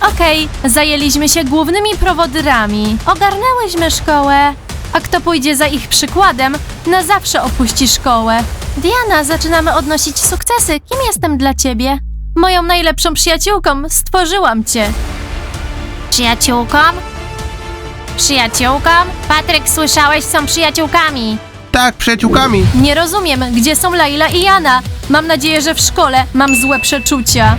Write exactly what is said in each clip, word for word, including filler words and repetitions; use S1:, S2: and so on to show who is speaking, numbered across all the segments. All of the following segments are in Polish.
S1: Okej, zajęliśmy się głównymi prowodyrami. Ogarnęłyśmy szkołę. A kto pójdzie za ich przykładem, na zawsze opuści szkołę. Diana, zaczynamy odnosić sukcesy. Kim jestem dla ciebie? Moją najlepszą przyjaciółką. Stworzyłam cię. Przyjaciółką? Przyjaciółką? Patryk, słyszałeś, są przyjaciółkami.
S2: Tak, przyjaciółkami.
S1: Nie rozumiem, gdzie są Laila i Jana. Mam nadzieję, że w szkole mam złe przeczucia.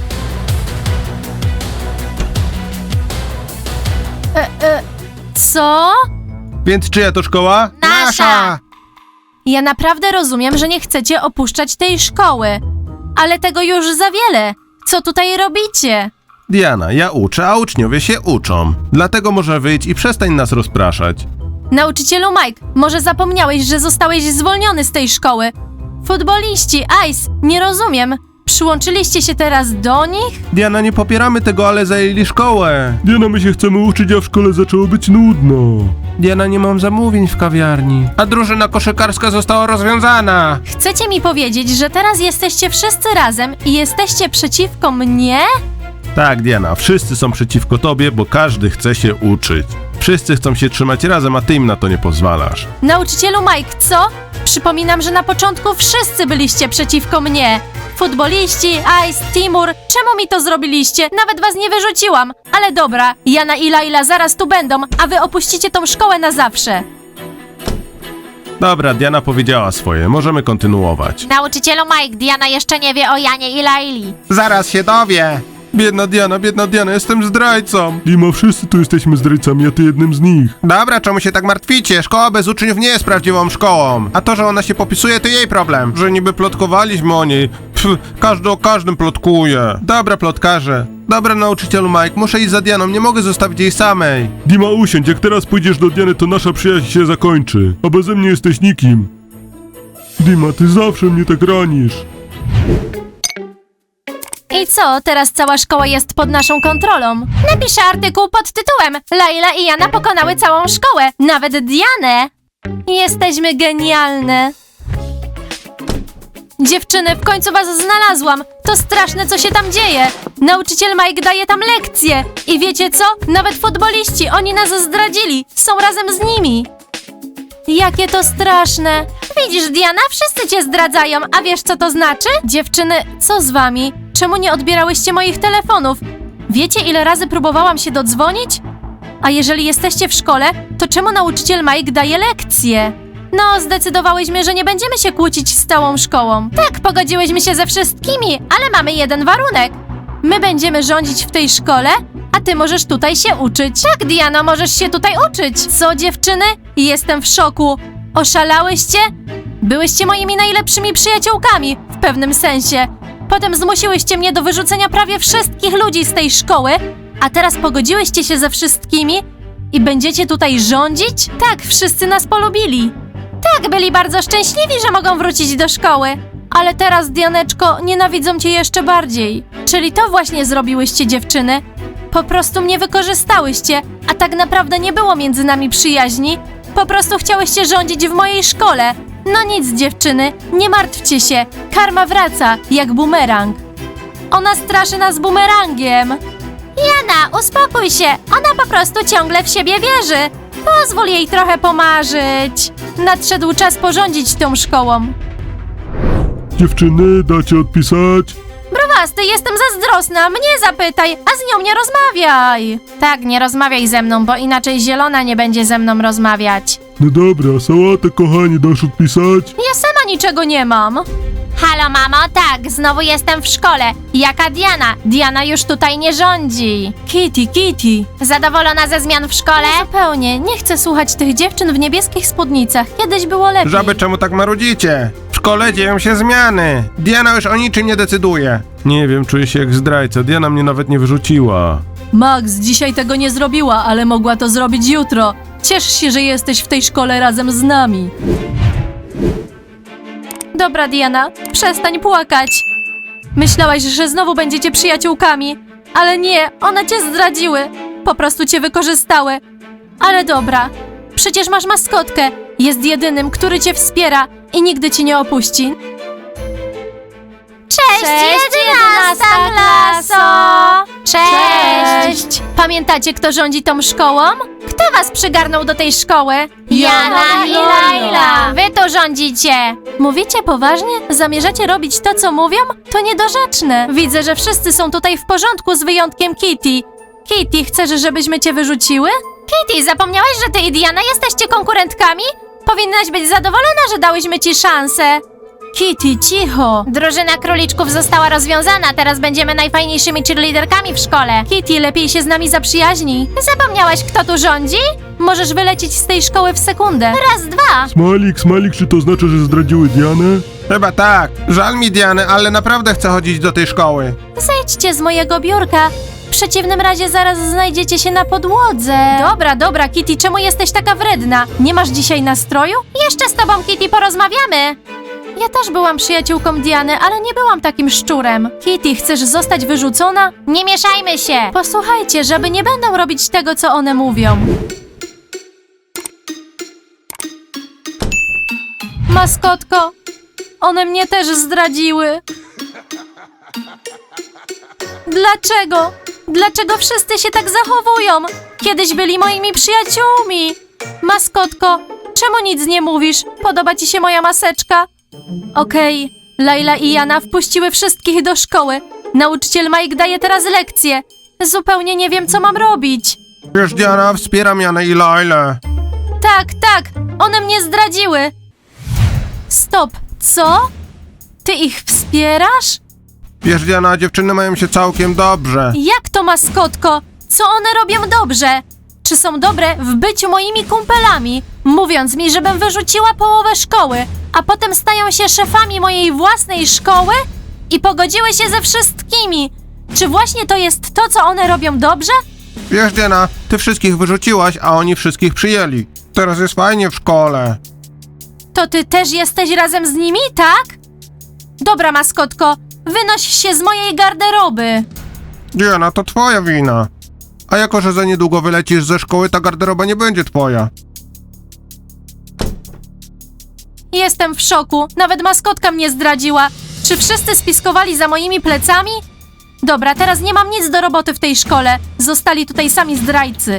S1: E, e, co?
S2: Więc czyja to szkoła?
S1: Nasza. Ja naprawdę rozumiem, że nie chcecie opuszczać tej szkoły. Ale tego już za wiele. Co tutaj robicie?
S2: Diana, ja uczę, a uczniowie się uczą. Dlatego może wyjdź i przestań nas rozpraszać.
S1: Nauczycielu Mike, może zapomniałeś, że zostałeś zwolniony z tej szkoły? Futboliści, Ice, nie rozumiem. Przyłączyliście się teraz do nich?
S2: Diana, nie popieramy tego, ale zajęli szkołę.
S3: Diana, my się chcemy uczyć, a w szkole zaczęło być nudno.
S2: Diana, nie mam zamówień w kawiarni. A drużyna koszykarska została rozwiązana.
S1: Chcecie mi powiedzieć, że teraz jesteście wszyscy razem i jesteście przeciwko mnie?
S2: Tak, Diana, wszyscy są przeciwko tobie, bo każdy chce się uczyć. Wszyscy chcą się trzymać razem, a ty im na to nie pozwalasz.
S1: Nauczycielu Mike, co? Przypominam, że na początku wszyscy byliście przeciwko mnie. Futboliści, Ice, Timur, czemu mi to zrobiliście? Nawet was nie wyrzuciłam. Ale dobra, Jana i Laila zaraz tu będą, a wy opuścicie tą szkołę na zawsze.
S2: Dobra, Diana powiedziała swoje, możemy kontynuować.
S1: Nauczycielu Mike, Diana jeszcze nie wie o Janie i Laili.
S2: Zaraz się dowie. Biedna Diana, biedna Diana, jestem zdrajcą.
S3: Dima, wszyscy tu jesteśmy zdrajcami, a ty jednym z nich.
S2: Dobra, czemu się tak martwicie? Szkoła bez uczniów nie jest prawdziwą szkołą. A to, że ona się popisuje, to jej problem. Że niby plotkowaliśmy o niej. Pff, każdy o każdym plotkuje. Dobra, plotkarze. Dobra, nauczycielu Mike, muszę iść za Dianą, nie mogę zostawić jej samej.
S3: Dima, usiądź, jak teraz pójdziesz do Diany, to nasza przyjaźń się zakończy. A beze mnie jesteś nikim. Dima, ty zawsze mnie tak ranisz.
S1: I co, teraz cała szkoła jest pod naszą kontrolą? Napiszę artykuł pod tytułem Laila i Jana pokonały całą szkołę, nawet Dianę. Jesteśmy genialne. Dziewczyny, w końcu was znalazłam. To straszne, co się tam dzieje. Nauczyciel Mike daje tam lekcje. I wiecie co? Nawet futboliści, oni nas zdradzili. Są razem z nimi. Jakie to straszne. Widzisz, Diana, wszyscy cię zdradzają, a wiesz, co to znaczy? Dziewczyny, co z wami? Czemu nie odbierałyście moich telefonów? Wiecie, ile razy próbowałam się dodzwonić? A jeżeli jesteście w szkole, to czemu nauczyciel Mike daje lekcje? No, zdecydowałyśmy, że nie będziemy się kłócić z całą szkołą. Tak, pogodziłyśmy się ze wszystkimi, ale mamy jeden warunek. My będziemy rządzić w tej szkole, a ty możesz tutaj się uczyć. Tak, Diana, możesz się tutaj uczyć. Co, dziewczyny? Jestem w szoku. Oszalałyście? Byłyście moimi najlepszymi przyjaciółkami, w pewnym sensie. Potem zmusiłyście mnie do wyrzucenia prawie wszystkich ludzi z tej szkoły, a teraz pogodziłyście się ze wszystkimi i będziecie tutaj rządzić? Tak, wszyscy nas polubili. Tak, byli bardzo szczęśliwi, że mogą wrócić do szkoły. Ale teraz, Dianeczko, nienawidzą cię jeszcze bardziej. Czyli to właśnie zrobiłyście, dziewczyny? Po prostu mnie wykorzystałyście, a tak naprawdę nie było między nami przyjaźni. Po prostu chciałyście rządzić w mojej szkole. No nic, dziewczyny, nie martwcie się. Karma wraca, jak bumerang. Ona straszy nas bumerangiem. Jana, uspokój się. Ona po prostu ciągle w siebie wierzy. Pozwól jej trochę pomarzyć. Nadszedł czas porządzić tą szkołą.
S3: Dziewczyny, dacie odpisać?
S1: Browasty, jestem zazdrosna, mnie zapytaj, a z nią nie rozmawiaj. Tak, nie rozmawiaj ze mną, bo inaczej Zielona nie będzie ze mną rozmawiać.
S3: No dobra, sałatę, kochani, dasz odpisać?
S1: Ja sama niczego nie mam. Halo, mamo, tak, znowu jestem w szkole. Jaka Diana? Diana już tutaj nie rządzi. Kitty, Kitty. Zadowolona ze zmian w szkole? Zupełnie, nie chcę słuchać tych dziewczyn w niebieskich spódnicach. Kiedyś było lepiej.
S2: Żaby, czemu tak marudzicie? W szkole dzieją się zmiany. Diana już o niczym nie decyduje.
S3: Nie wiem, czuję się jak zdrajca, Diana mnie nawet nie wyrzuciła.
S1: Max dzisiaj tego nie zrobiła, ale mogła to zrobić jutro. Ciesz się, że jesteś w tej szkole razem z nami. Dobra, Diana, przestań płakać. Myślałaś, że znowu będziecie przyjaciółkami, ale nie, one cię zdradziły. Po prostu cię wykorzystały. Ale dobra, przecież masz maskotkę. Jest jedynym, który cię wspiera i nigdy cię nie opuści. Cześć, jedenasta klaso! Cześć! Cześć! Pamiętacie, kto rządzi tą szkołą? Kto was przygarnął do tej szkoły?
S4: Jana i Laila.
S1: Wy tu rządzicie! Mówicie poważnie? Zamierzacie robić to, co mówią? To niedorzeczne. Widzę, że wszyscy są tutaj w porządku z wyjątkiem Kitty. Kitty, chcesz, żebyśmy cię wyrzuciły? Kitty, zapomniałaś, że ty i Diana jesteście konkurentkami? Powinnaś być zadowolona, że dałyśmy ci szansę. Kitty, cicho! Drużyna króliczków została rozwiązana, teraz będziemy najfajniejszymi cheerleaderkami w szkole. Kitty, lepiej się z nami zaprzyjaźnij. Zapomniałaś, kto tu rządzi? Możesz wylecieć z tej szkoły w sekundę. Raz, dwa!
S3: Smalik, Smalik, czy to znaczy, że zdradziły Dianę?
S2: Chyba tak. Żal mi Diany, ale naprawdę chcę chodzić do tej szkoły.
S1: Zejdźcie z mojego biurka. W przeciwnym razie zaraz znajdziecie się na podłodze. Dobra, dobra, Kitty, czemu jesteś taka wredna? Nie masz dzisiaj nastroju? Jeszcze z tobą, Kitty, porozmawiamy. Ja też byłam przyjaciółką Diany, ale nie byłam takim szczurem. Kitty, chcesz zostać wyrzucona? Nie mieszajmy się! Posłuchajcie, żeby nie będą robić tego, co one mówią. Maskotko, one mnie też zdradziły. Dlaczego? Dlaczego wszyscy się tak zachowują? Kiedyś byli moimi przyjaciółmi. Maskotko, czemu nic nie mówisz? Podoba ci się moja maseczka? Okej, Laila i Jana wpuściły wszystkich do szkoły. Nauczyciel Mike daje teraz lekcje. Zupełnie nie wiem, co mam robić.
S2: Wiesz, Diana, wspieram Janę i Lailę.
S1: Tak, tak, one mnie zdradziły. Stop, co? Ty ich wspierasz?
S2: Wiesz, Diana, dziewczyny mają się całkiem dobrze.
S1: Jak to, maskotko? Co one robią dobrze? Czy są dobre w byciu moimi kumpelami, mówiąc mi, żebym wyrzuciła połowę szkoły, a potem stają się szefami mojej własnej szkoły i pogodziły się ze wszystkimi? Czy właśnie to jest to, co one robią dobrze?
S2: Wiesz, Diana, ty wszystkich wyrzuciłaś, a oni wszystkich przyjęli. Teraz jest fajnie w szkole.
S1: To ty też jesteś razem z nimi, tak? Dobra, maskotko, wynoś się z mojej garderoby.
S2: Diana, to twoja wina. A jako, że za niedługo wylecisz ze szkoły, ta garderoba nie będzie twoja.
S1: Jestem w szoku. Nawet maskotka mnie zdradziła. Czy wszyscy spiskowali za moimi plecami? Dobra, teraz nie mam nic do roboty w tej szkole. Zostali tutaj sami zdrajcy.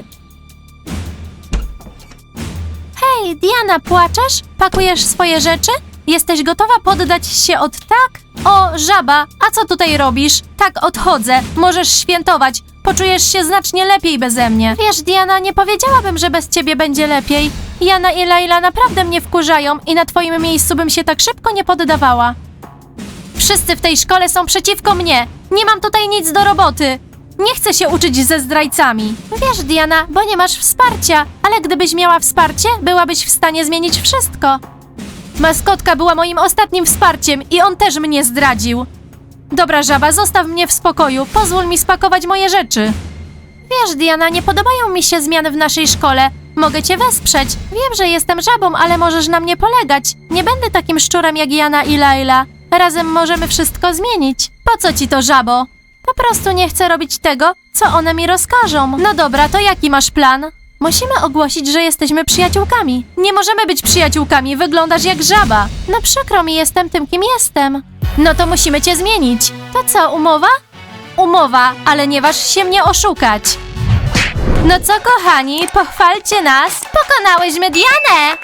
S1: Hej, Diana, płaczesz? Pakujesz swoje rzeczy? Jesteś gotowa poddać się od tak? O, żaba, a co tutaj robisz? Tak, odchodzę. Możesz świętować. Poczujesz się znacznie lepiej beze mnie. Wiesz, Diana, nie powiedziałabym, że bez ciebie będzie lepiej. Jana i Laila naprawdę mnie wkurzają i na twoim miejscu bym się tak szybko nie poddawała. Wszyscy w tej szkole są przeciwko mnie. Nie mam tutaj nic do roboty. Nie chcę się uczyć ze zdrajcami. Wiesz, Diana, bo nie masz wsparcia, ale gdybyś miała wsparcie, byłabyś w stanie zmienić wszystko. Maskotka była moim ostatnim wsparciem i on też mnie zdradził. Dobra, żaba, zostaw mnie w spokoju. Pozwól mi spakować moje rzeczy. Wiesz, Diana, nie podobają mi się zmiany w naszej szkole. Mogę cię wesprzeć. Wiem, że jestem żabą, ale możesz na mnie polegać. Nie będę takim szczurem jak Jana i Laila. Razem możemy wszystko zmienić. Po co ci to, żabo? Po prostu nie chcę robić tego, co one mi rozkażą. No dobra, to jaki masz plan? Musimy ogłosić, że jesteśmy przyjaciółkami. Nie możemy być przyjaciółkami, wyglądasz jak żaba. No przykro mi, jestem tym, kim jestem. No to musimy cię zmienić. To co, umowa? Umowa, ale nie waż się mnie oszukać. No co, kochani, pochwalcie nas. Pokonałyśmy Dianę.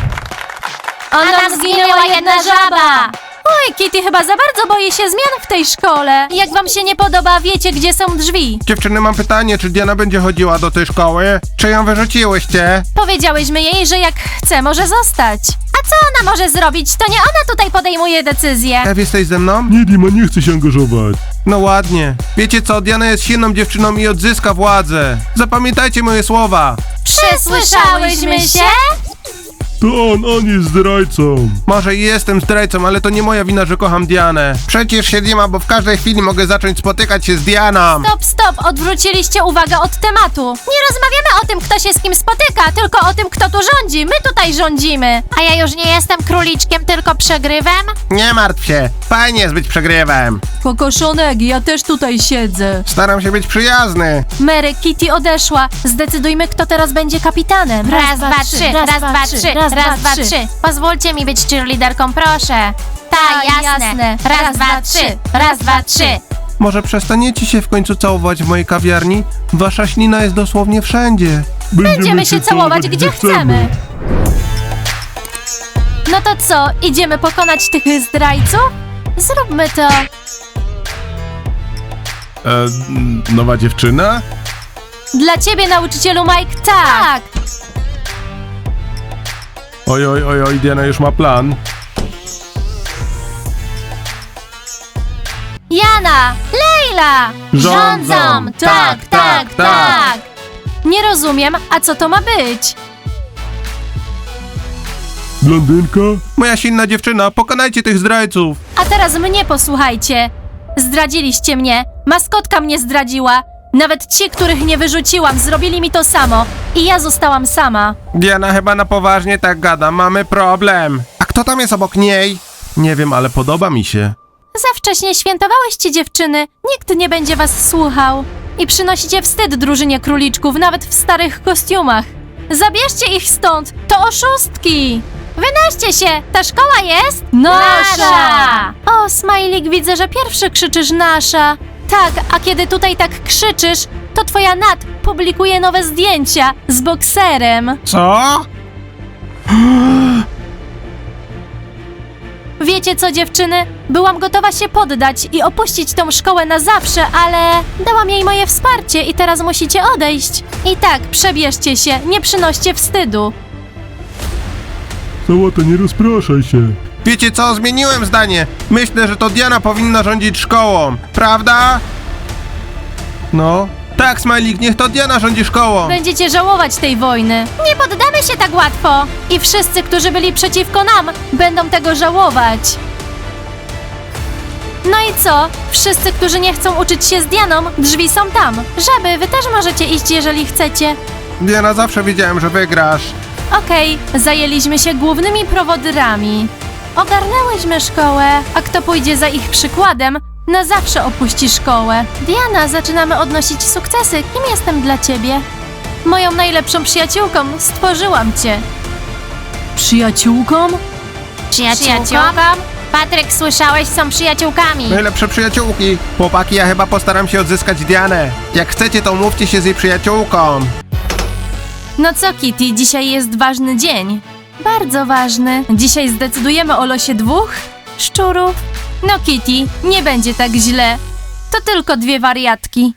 S1: Ona zginęła jedna żaba. Oj, Kitty chyba za bardzo boi się zmian w tej szkole. Jak wam się nie podoba, wiecie, gdzie są drzwi.
S2: Dziewczyny, mam pytanie, czy Diana będzie chodziła do tej szkoły? Czy ją wyrzuciłyście?
S1: Powiedziałyśmy jej, że jak chce, może zostać. A co ona może zrobić? To nie ona tutaj podejmuje decyzję.
S2: Ew, jesteś ze mną?
S3: Nie, Dima, nie chce się angażować.
S2: No ładnie. Wiecie co, Diana jest silną dziewczyną i odzyska władzę. Zapamiętajcie moje słowa.
S1: Przysłyszałyśmy się?
S3: To on, on jest zdrajcą.
S2: Może i jestem zdrajcą, ale to nie moja wina, że kocham Dianę. Przecież się Dima, bo w każdej chwili mogę zacząć spotykać się z Dianą.
S1: Stop, stop, odwróciliście uwagę od tematu. Nie rozmawiamy o tym, kto się z kim spotyka, tylko o tym, kto tu rządzi. My tutaj rządzimy. A ja już nie jestem króliczkiem, tylko przegrywem?
S2: Nie martw się, fajnie jest być przegrywem.
S1: Kokoszonek, ja też tutaj siedzę.
S2: Staram się być przyjazny.
S1: Mary, Kitty odeszła. Zdecydujmy, kto teraz będzie kapitanem.
S4: Raz, dwa, trzy, raz, dwa, trzy, raz, dwa, trzy. Pozwólcie mi być cheerleaderką, proszę. Tak,
S1: Tak,
S4: jasne.
S1: jasne.
S4: Raz, dwa, trzy, raz, dwa, trzy.
S2: Może przestaniecie się w końcu całować w mojej kawiarni? Wasza ślina jest dosłownie wszędzie.
S1: Będziemy się całować gdzie chcemy. No to co, idziemy pokonać tych zdrajców? Zróbmy to.
S2: E, nowa dziewczyna?
S1: Dla ciebie, nauczycielu Mike, tak.
S2: Oj, oj, oj, oj, Diana już ma plan.
S1: Jana, Leila!
S2: Rządzą!
S1: Tak, tak, tak! Nie rozumiem, a co to ma być?
S3: Blondynka?
S2: Moja silna dziewczyna, pokonajcie tych zdrajców.
S1: A teraz mnie posłuchajcie. Zdradziliście mnie, maskotka mnie zdradziła. Nawet ci, których nie wyrzuciłam, zrobili mi to samo. I ja zostałam sama.
S2: Diana chyba na poważnie tak gada, mamy problem. A kto tam jest obok niej? Nie wiem, ale podoba mi się.
S1: Za wcześnie świętowałyście, dziewczyny. Nikt nie będzie was słuchał. I przynosicie wstyd drużynie króliczków, nawet w starych kostiumach. Zabierzcie ich stąd! To oszustki! Wynoście się! Ta szkoła jest nasza! O, Smajlik, widzę, że pierwszy krzyczysz nasza. Tak, a kiedy tutaj tak krzyczysz, to twoja Nat publikuje nowe zdjęcia z bokserem.
S2: Co?
S1: Wiecie co, dziewczyny? Byłam gotowa się poddać i opuścić tą szkołę na zawsze, ale dałam jej moje wsparcie i teraz musicie odejść. I tak, przebierzcie się, nie przynoście wstydu.
S3: Sałata, nie rozpraszaj się.
S2: Wiecie co, zmieniłem zdanie. Myślę, że to Diana powinna rządzić szkołą, prawda? No. Tak, Smajlik, niech to Diana rządzi szkołą.
S1: Będziecie żałować tej wojny. Nie poddamy się tak łatwo. I wszyscy, którzy byli przeciwko nam, będą tego żałować. No i co? Wszyscy, którzy nie chcą uczyć się z Dianą, drzwi są tam. Żaby, wy też możecie iść, jeżeli chcecie.
S2: Diana, zawsze wiedziałem, że wygrasz.
S1: Okej, zajęliśmy się głównymi prowodyrami. Ogarnęłyśmy szkołę, a kto pójdzie za ich przykładem, na zawsze opuści szkołę. Diana, zaczynamy odnosić sukcesy. Kim jestem dla ciebie? Moją najlepszą przyjaciółką. Stworzyłam cię. Przyjaciółką?
S4: Przyjaciółką? Patryk, słyszałeś, są przyjaciółkami.
S2: Najlepsze przyjaciółki. Chłopaki, ja chyba postaram się odzyskać Dianę. Jak chcecie, to umówcie się z jej przyjaciółką.
S1: No co, Kitty, dzisiaj jest ważny dzień. Bardzo ważny. Dzisiaj zdecydujemy o losie dwóch szczurów. No, Kitty, nie będzie tak źle. To tylko dwie wariatki.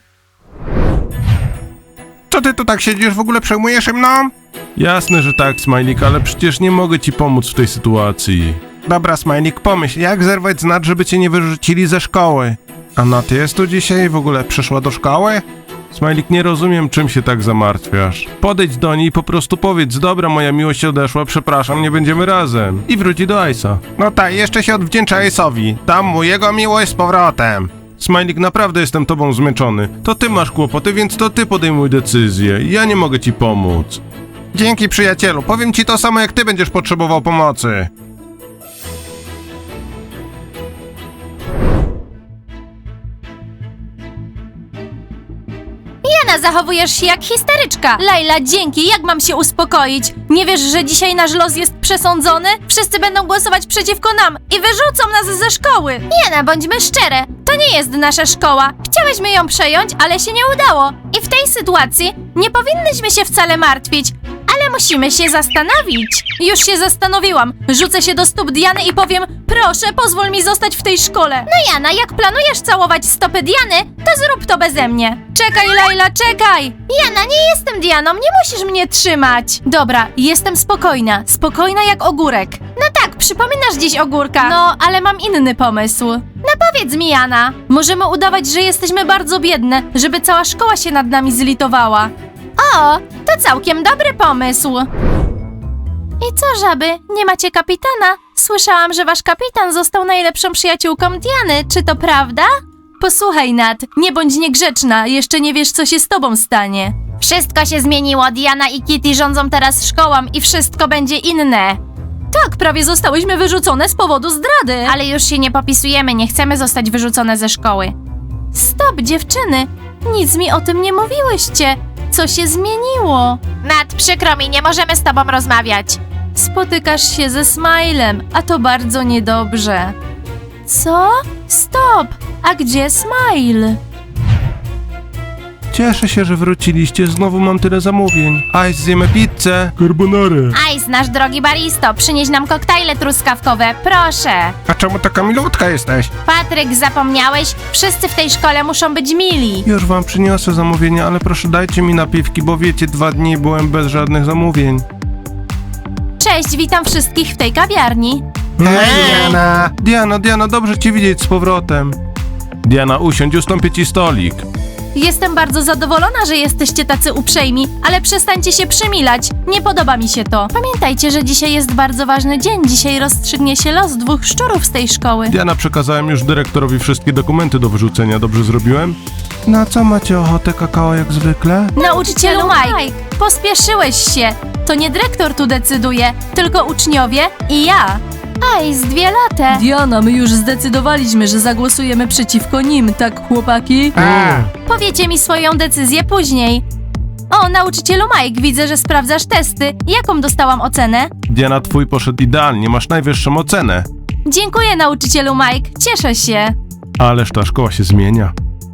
S2: Co ty tu tak siedzisz, w ogóle przejmujesz się mną?
S3: Jasne, że tak, Smajlik, ale przecież nie mogę ci pomóc w tej sytuacji.
S2: Dobra, Smajlik, pomyśl, jak zerwać z Nat, żeby cię nie wyrzucili ze szkoły? A Nat jest tu dzisiaj? W ogóle przyszła do szkoły?
S3: Smajlik, nie rozumiem, czym się tak zamartwiasz. Podejdź do niej i po prostu powiedz, dobra, moja miłość odeszła, przepraszam, nie będziemy razem. I wróci do Ice'a.
S2: No tak, jeszcze się odwdzięcza Ace'owi. Dam mu jego miłość z powrotem.
S3: Smajlik, naprawdę jestem tobą zmęczony. To ty masz kłopoty, więc to ty podejmuj decyzję. Ja nie mogę ci pomóc.
S2: Dzięki, przyjacielu. Powiem ci to samo, jak ty będziesz potrzebował pomocy.
S1: Jana, zachowujesz się jak histeryczka. Laila, dzięki, jak mam się uspokoić? Nie wiesz, że dzisiaj nasz los jest przesądzony? Wszyscy będą głosować przeciwko nam i wyrzucą nas ze szkoły. Jana, bądźmy szczere, to nie jest nasza szkoła. Chciałyśmy ją przejąć, ale się nie udało. I w tej sytuacji nie powinnyśmy się wcale martwić, ale musimy się zastanowić. Już się zastanowiłam. Rzucę się do stóp Diany i powiem, proszę, pozwól mi zostać w tej szkole. No Jana, jak planujesz całować stopy Diany, to zrób to beze mnie. Czekaj, Laila, czekaj! Jana, nie jestem Dianą, nie musisz mnie trzymać. Dobra, jestem spokojna. Spokojna jak ogórek. No tak, przypominasz dziś ogórka. No, ale mam inny pomysł. No powiedz mi, Jana. Możemy udawać, że jesteśmy bardzo biedne, żeby cała szkoła się nad nami zlitowała. O, to całkiem dobry pomysł. I co, żaby? Nie macie kapitana? Słyszałam, że wasz kapitan został najlepszą przyjaciółką Diany. Czy to prawda? Posłuchaj, Nat, nie bądź niegrzeczna. Jeszcze nie wiesz, co się z tobą stanie. Wszystko się zmieniło. Diana i Kitty rządzą teraz szkołą i wszystko będzie inne. Tak, prawie zostałyśmy wyrzucone z powodu zdrady. Ale już się nie popisujemy, nie chcemy zostać wyrzucone ze szkoły. Stop, dziewczyny. Nic mi o tym nie mówiłyście. Co się zmieniło?
S4: Nat, przykro mi, nie możemy z tobą rozmawiać.
S1: Spotykasz się ze Smilem, a to bardzo niedobrze. Co? Stop! A gdzie Smile?
S3: Cieszę się, że wróciliście. Znowu mam tyle zamówień. Ice, zjemy pizzę.
S2: Carbonara.
S4: Ice, nasz drogi baristo, przynieś nam koktajle truskawkowe, proszę.
S2: A czemu taka milutka jesteś?
S4: Patryk, zapomniałeś? Wszyscy w tej szkole muszą być mili.
S3: Już wam przyniosę zamówienia, ale proszę dajcie mi napiwki, bo wiecie, dwa dni byłem bez żadnych zamówień.
S1: Cześć, witam wszystkich w tej kawiarni.
S2: Diana.
S3: Diana, Diana, dobrze cię widzieć z powrotem. Diana, usiądź, ustąpię ci stolik.
S1: Jestem bardzo zadowolona, że jesteście tacy uprzejmi, ale przestańcie się przymilać. Nie podoba mi się to. Pamiętajcie, że dzisiaj jest bardzo ważny dzień. Dzisiaj rozstrzygnie się los dwóch szczurów z tej szkoły.
S3: Diana, przekazałem już dyrektorowi wszystkie dokumenty do wyrzucenia. Dobrze zrobiłem? Na co macie ochotę, kakao, jak zwykle?
S1: Nauczycielu Mike, pospieszyłeś się. To nie dyrektor tu decyduje, tylko uczniowie i ja. Ice, dwie lata.
S5: Diana, my już zdecydowaliśmy, że zagłosujemy przeciwko nim, tak chłopaki?
S2: A.
S1: Powiecie mi swoją decyzję później. O, nauczycielu Mike, widzę, że sprawdzasz testy. Jaką dostałam ocenę?
S3: Diana, twój poszedł idealnie, masz najwyższą ocenę.
S1: Dziękuję, nauczycielu Mike, cieszę się.
S3: Ależ ta szkoła się zmienia.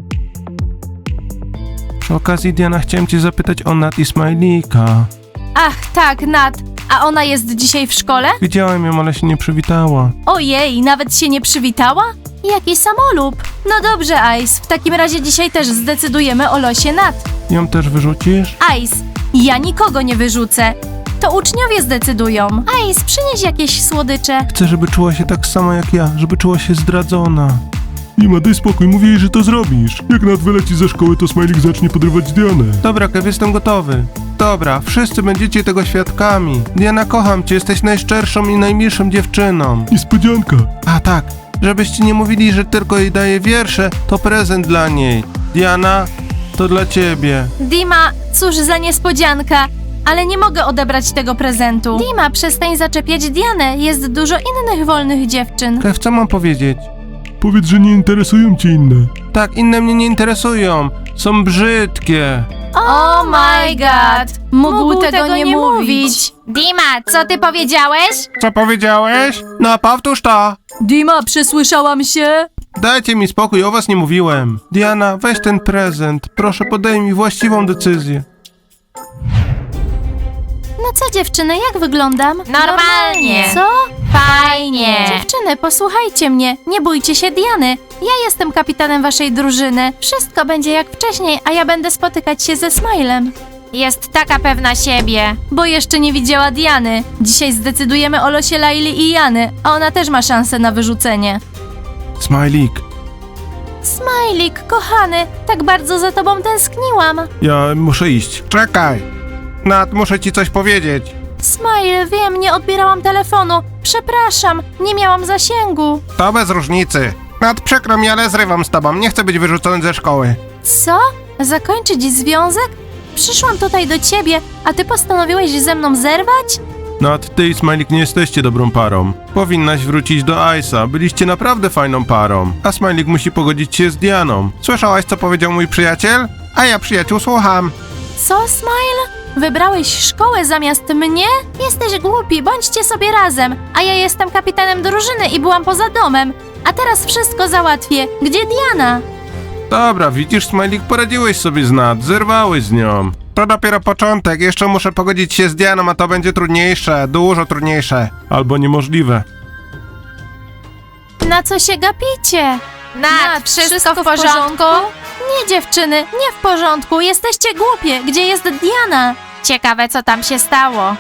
S3: Przy okazji, Diana, chciałem cię zapytać o Nat i Smajlika.
S1: Ach, tak, Nat. A ona jest dzisiaj w szkole?
S3: Widziałem ją, ale się nie przywitała.
S1: Ojej, nawet się nie przywitała? Jaki samolub. No dobrze, Ice, w takim razie dzisiaj też zdecydujemy o losie Nat.
S3: Ją też wyrzucisz?
S1: Ice, ja nikogo nie wyrzucę. To uczniowie zdecydują. Ice, przynieś jakieś słodycze.
S3: Chcę, żeby czuła się tak samo jak ja, żeby czuła się zdradzona.
S6: Dima, daj spokój, mówię jej, że to zrobisz. Jak Nat wyleci ze szkoły, to Smajlik zacznie podrywać Dianę.
S3: Dobra, Kev, jestem gotowy. Dobra, wszyscy będziecie tego świadkami. Diana, kocham cię, jesteś najszczerszą i najmilszą dziewczyną.
S6: Niespodzianka.
S3: A tak, żebyście nie mówili, że tylko jej daję wiersze, to prezent dla niej. Diana, to dla ciebie.
S1: Dima, cóż za niespodzianka. Ale nie mogę odebrać tego prezentu. Dima, przestań zaczepiać Dianę. Jest dużo innych wolnych dziewczyn.
S3: Kev, co mam powiedzieć?
S6: Powiedz, że nie interesują cię inne.
S3: Tak, inne mnie nie interesują. Są brzydkie.
S1: Oh my god! Mógł, tego, nie mówić.
S4: Dima, co ty powiedziałeś?
S2: Co powiedziałeś?
S3: No, powtórz to.
S5: Dima, przesłyszałam się?
S3: Dajcie mi spokój, o was nie mówiłem. Diana, weź ten prezent. Proszę, podaj mi właściwą decyzję.
S1: No co dziewczyny, jak wyglądam?
S4: Normalnie.
S1: Co?
S4: Fajnie.
S1: Dziewczyny, posłuchajcie mnie. Nie bójcie się Diany. Ja jestem kapitanem waszej drużyny. Wszystko będzie jak wcześniej, a ja będę spotykać się ze Smilem.
S4: Jest taka pewna siebie.
S1: Bo jeszcze nie widziała Diany. Dzisiaj zdecydujemy o losie Laili i Jany, a ona też ma szansę na wyrzucenie.
S3: Smajlik,
S1: Smajlik, kochany, tak bardzo za tobą tęskniłam.
S3: ja muszę iść.
S2: Czekaj. Nat, muszę ci coś powiedzieć.
S1: Smile, wiem, nie odbierałam telefonu. Przepraszam, nie miałam zasięgu.
S2: To bez różnicy. Nat, przykro mi, ale zrywam z tobą. Nie chcę być wyrzucony ze szkoły.
S1: Co? Zakończyć związek? Przyszłam tutaj do ciebie, a ty postanowiłeś ze mną zerwać?
S3: Nat, ty i Smajlik nie jesteście dobrą parą. Powinnaś wrócić do Ice'a. Byliście naprawdę fajną parą. A Smajlik musi pogodzić się z Dianą.
S2: Słyszałaś, co powiedział mój przyjaciel? A ja, przyjaciół, słucham.
S1: Co, Smile? Wybrałeś szkołę zamiast mnie? Jesteś głupi, bądźcie sobie razem. A ja jestem kapitanem drużyny i byłam poza domem. A teraz wszystko załatwię. Gdzie Diana?
S3: Dobra, widzisz, Smajlik, poradziłeś sobie z Nat. Zerwałeś z nią.
S2: To dopiero początek. Jeszcze muszę pogodzić się z Dianą, a to będzie trudniejsze. Dużo trudniejsze.
S3: Albo niemożliwe.
S1: Na co się gapicie?
S4: Nat, wszystko w porządku?
S1: Nie, dziewczyny, nie w porządku. Jesteście głupie. Gdzie jest Diana?
S4: Ciekawe, co tam się stało.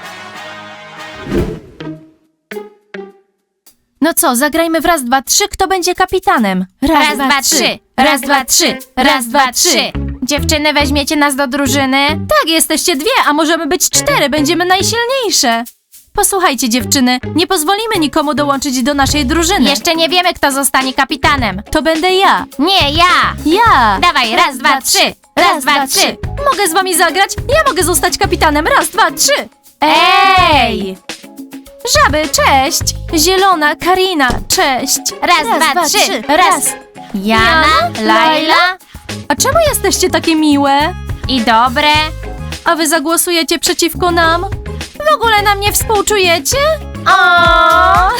S1: No co, zagrajmy w raz, dwa, trzy. Kto będzie kapitanem?
S4: Raz, dwa, trzy. Raz, dwa, trzy. Raz, dwa, trzy. Dziewczyny, weźmiecie nas do drużyny?
S1: Tak, jesteście dwie, a możemy być cztery. Będziemy najsilniejsze. Posłuchajcie, dziewczyny, nie pozwolimy nikomu dołączyć do naszej drużyny.
S4: Jeszcze nie wiemy, kto zostanie kapitanem.
S1: To będę ja.
S4: Nie, ja.
S1: Ja.
S4: Dawaj, raz, dwa, trzy. Raz, dwa, trzy.
S1: Mogę z wami zagrać? Ja mogę zostać kapitanem. Raz, dwa, trzy.
S4: Ej!
S1: Żaby, cześć. Zielona, Karina, cześć.
S4: Raz, dwa, trzy. Raz. Jana, Laila
S1: A czemu jesteście takie miłe?
S4: i dobre.
S1: A wy zagłosujecie przeciwko nam? W ogóle nam nie współczujecie? O!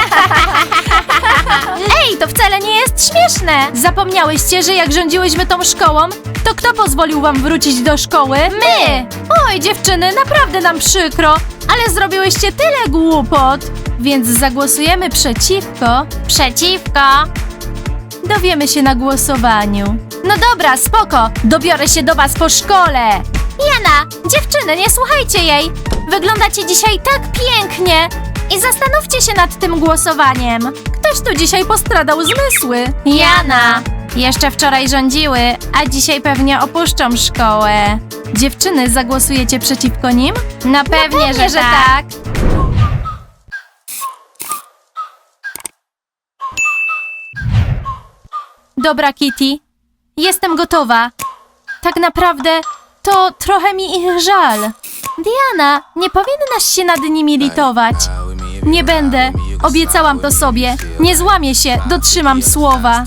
S1: Ej, to wcale nie jest śmieszne! Zapomniałyście, że jak rządziłyśmy tą szkołą, to kto pozwolił wam wrócić do szkoły? My! Oj, dziewczyny, naprawdę nam przykro, ale zrobiłyście tyle głupot. Więc zagłosujemy przeciwko.
S4: Przeciwko.
S1: Dowiemy się na głosowaniu. No dobra, spoko, dobiorę się do was po szkole. Jana, dziewczyny, nie słuchajcie jej. Wyglądacie dzisiaj tak pięknie. I zastanówcie się nad tym głosowaniem. Ktoś tu dzisiaj postradał zmysły. Jana. Jeszcze wczoraj rządziły, a dzisiaj pewnie opuszczą szkołę. Dziewczyny, zagłosujecie przeciwko nim?
S4: No pewnie, że,
S1: że
S4: tak.
S1: tak. Dobra, Kitty. Jestem gotowa. Tak naprawdę to trochę mi ich żal. Diana, nie powinnaś się nad nimi litować. Nie będę. Obiecałam to sobie. Nie złamię się, dotrzymam słowa.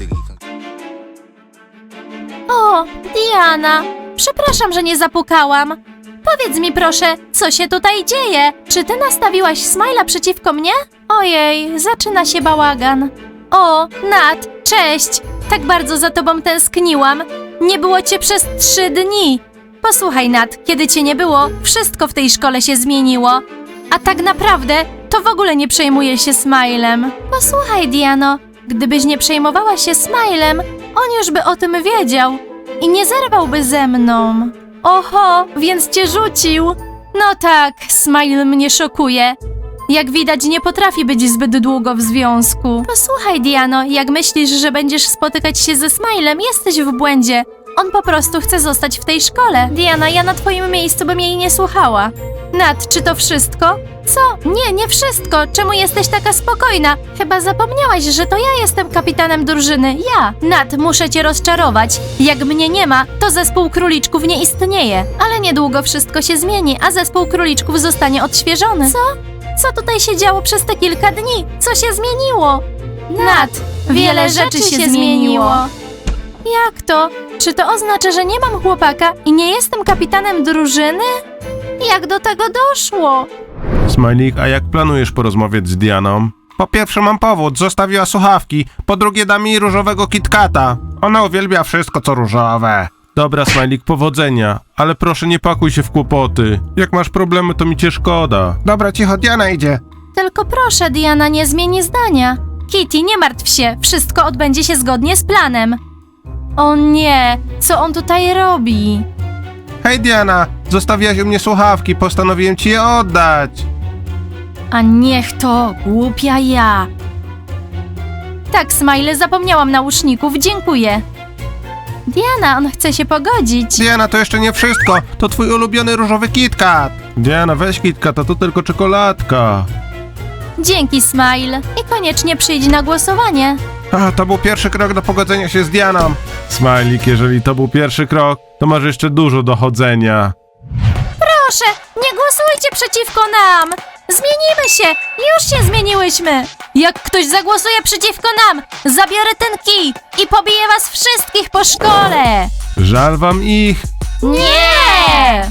S1: O, Diana, przepraszam, że nie zapukałam. Powiedz mi proszę, co się tutaj dzieje? Czy ty nastawiłaś Smile'a przeciwko mnie? Ojej, zaczyna się bałagan. O, Nat, cześć! Tak bardzo za tobą tęskniłam. Nie było cię przez trzy dni. Posłuchaj, Nat, kiedy cię nie było, wszystko w tej szkole się zmieniło. A tak naprawdę to w ogóle nie przejmuję się Smilem. Posłuchaj, Diano, gdybyś nie przejmowała się Smilem, on już by o tym wiedział i nie zerwałby ze mną. Oho, więc cię rzucił. No tak, Smile mnie szokuje. Jak widać, nie potrafi być zbyt długo w związku. Posłuchaj, Diano, jak myślisz, że będziesz spotykać się ze Smilem, jesteś w błędzie. On po prostu chce zostać w tej szkole. Diana, ja na twoim miejscu bym jej nie słuchała. Nat, czy to wszystko? Co? Nie, nie wszystko. Czemu jesteś taka spokojna? Chyba zapomniałaś, że to ja jestem kapitanem drużyny. Ja. Nat, muszę cię rozczarować. Jak mnie nie ma, to zespół króliczków nie istnieje. Ale niedługo wszystko się zmieni, a zespół króliczków zostanie odświeżony. Co? Co tutaj się działo przez te kilka dni? Co się zmieniło? Nat, wiele rzeczy się zmieniło. Jak to? Czy to oznacza, że nie mam chłopaka i nie jestem kapitanem drużyny? Jak do tego doszło?
S3: Smajlik, a jak planujesz porozmawiać z Dianą?
S2: Po pierwsze mam powód, zostawiła słuchawki. Po drugie da mi różowego KitKata. Ona uwielbia wszystko co różowe.
S3: Dobra, Smajlik, powodzenia, ale proszę nie pakuj się w kłopoty. Jak masz problemy, to mi cię szkoda.
S2: Dobra, cicho, Diana idzie.
S1: Tylko proszę, Diana, nie zmieni zdania. Kitty, nie martw się, wszystko odbędzie się zgodnie z planem. O nie, co on tutaj robi?
S2: Hej Diana, zostawiłaś u mnie słuchawki, postanowiłem ci je oddać.
S1: A niech to, głupia ja. Tak, Smile, zapomniałam nauszników, dziękuję. Diana, on chce się pogodzić.
S2: Diana, to jeszcze nie wszystko, to twój ulubiony różowy KitKat.
S3: Diana, weź KitKata, to tylko czekoladka.
S1: Dzięki, Smile. I koniecznie przyjdź na głosowanie.
S2: A, to był pierwszy krok do pogodzenia się z Dianą.
S3: Smajlik, jeżeli to był pierwszy krok, to masz jeszcze dużo dochodzenia.
S1: Proszę, nie głosujcie przeciwko nam! Zmienimy się! Już się zmieniłyśmy! Jak ktoś zagłosuje przeciwko nam, zabiorę ten kij i pobiję was wszystkich po szkole!
S3: Żal wam ich?
S1: Nie!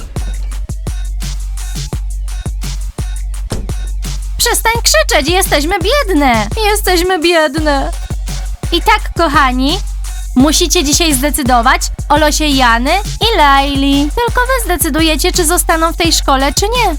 S1: Przestań krzyczeć, jesteśmy biedne! Jesteśmy biedne! I tak, kochani, musicie dzisiaj zdecydować o losie Jany i Laili. Tylko wy zdecydujecie, czy zostaną w tej szkole, czy nie.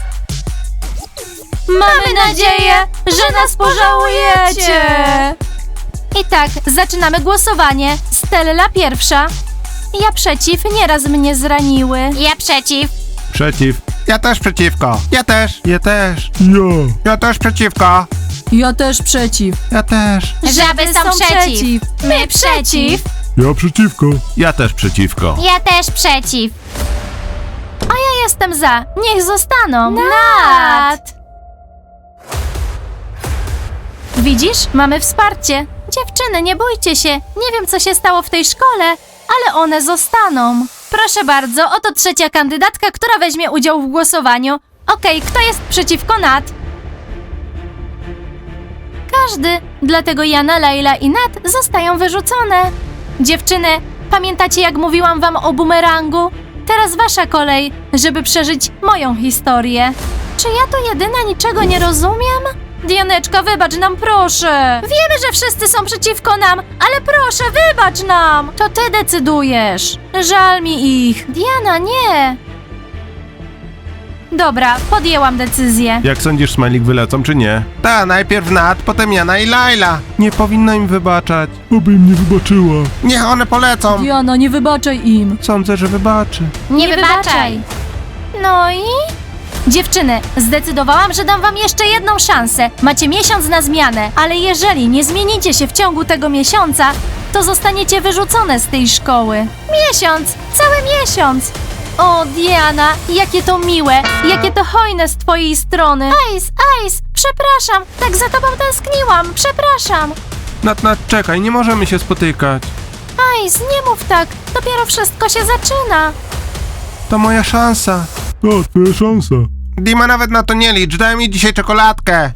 S1: Mamy nadzieję, że nas pożałujecie! I tak, zaczynamy głosowanie. Stella pierwsza. Ja przeciw, nieraz mnie zraniły.
S4: Ja przeciw.
S3: Przeciw.
S2: Ja też przeciwko. Ja też.
S3: Ja też.
S6: Ja.
S2: Ja też przeciwko.
S5: Ja też przeciw.
S2: Ja też.
S4: Żaby są przeciw.
S1: My przeciw.
S6: Ja przeciwko.
S3: Ja też przeciwko.
S4: Ja też przeciw.
S1: Ja jestem za. Niech zostaną. Nat! Widzisz? Mamy wsparcie. Dziewczyny, nie bójcie się. Nie wiem, co się stało w tej szkole, ale one zostaną. Proszę bardzo, oto trzecia kandydatka, która weźmie udział w głosowaniu. Okej, kto jest przeciwko Nat? Każdy. Dlatego Jana, Laila i Nat zostają wyrzucone. Dziewczyny, pamiętacie, jak mówiłam wam o bumerangu? Teraz wasza kolej, żeby przeżyć moją historię. Czy ja to jedyna niczego nie rozumiem? Dianeczka, wybacz nam, proszę. Wiemy, że wszyscy są przeciwko nam, ale proszę, wybacz nam. To ty decydujesz. Żal mi ich. Diana, nie. Dobra, podjęłam decyzję.
S3: Jak sądzisz, Smajlik, wylecą czy nie?
S2: Ta, najpierw Nat, potem Jana i Laila.
S3: Nie powinno im wybaczać.
S6: Oby im nie wybaczyła.
S2: Niech one polecą.
S5: Diana, nie wybaczaj im.
S3: Sądzę, że wybaczy.
S4: Nie wybaczaj.
S1: No i? Dziewczyny, zdecydowałam, że dam wam jeszcze jedną szansę. Macie miesiąc na zmianę, ale jeżeli nie zmienicie się w ciągu tego miesiąca, to zostaniecie wyrzucone z tej szkoły. Miesiąc! Cały miesiąc! O, Diana, jakie to miłe, jakie to hojne z twojej strony. Ice, Ice, przepraszam, tak za tobą tęskniłam, przepraszam.
S3: Nat, Nat, czekaj, nie możemy się spotykać.
S1: Ice, nie mów tak, dopiero wszystko się zaczyna.
S2: To moja szansa.
S6: To twoja szansa.
S2: Dima, nawet na to nie licz, daj mi dzisiaj czekoladkę.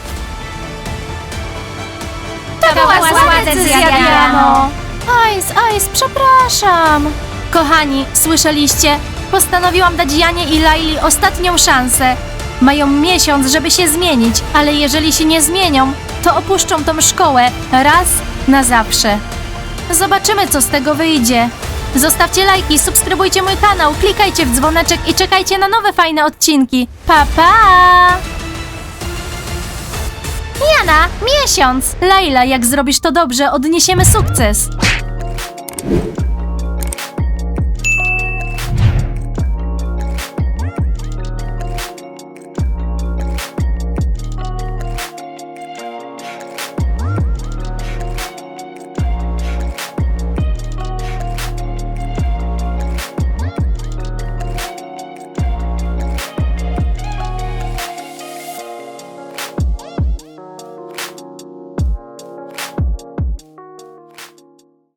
S1: To
S4: była zła decyzja, Diano.
S1: Ice, Ice, przepraszam. Kochani, słyszeliście? Postanowiłam dać Janie i Laili ostatnią szansę. Mają miesiąc, żeby się zmienić, ale jeżeli się nie zmienią, to opuszczą tą szkołę raz na zawsze. Zobaczymy, co z tego wyjdzie. Zostawcie lajki, subskrybujcie mój kanał, klikajcie w dzwoneczek i czekajcie na nowe fajne odcinki. Pa, pa! Jana, miesiąc! Laila, jak zrobisz to dobrze, odniesiemy sukces.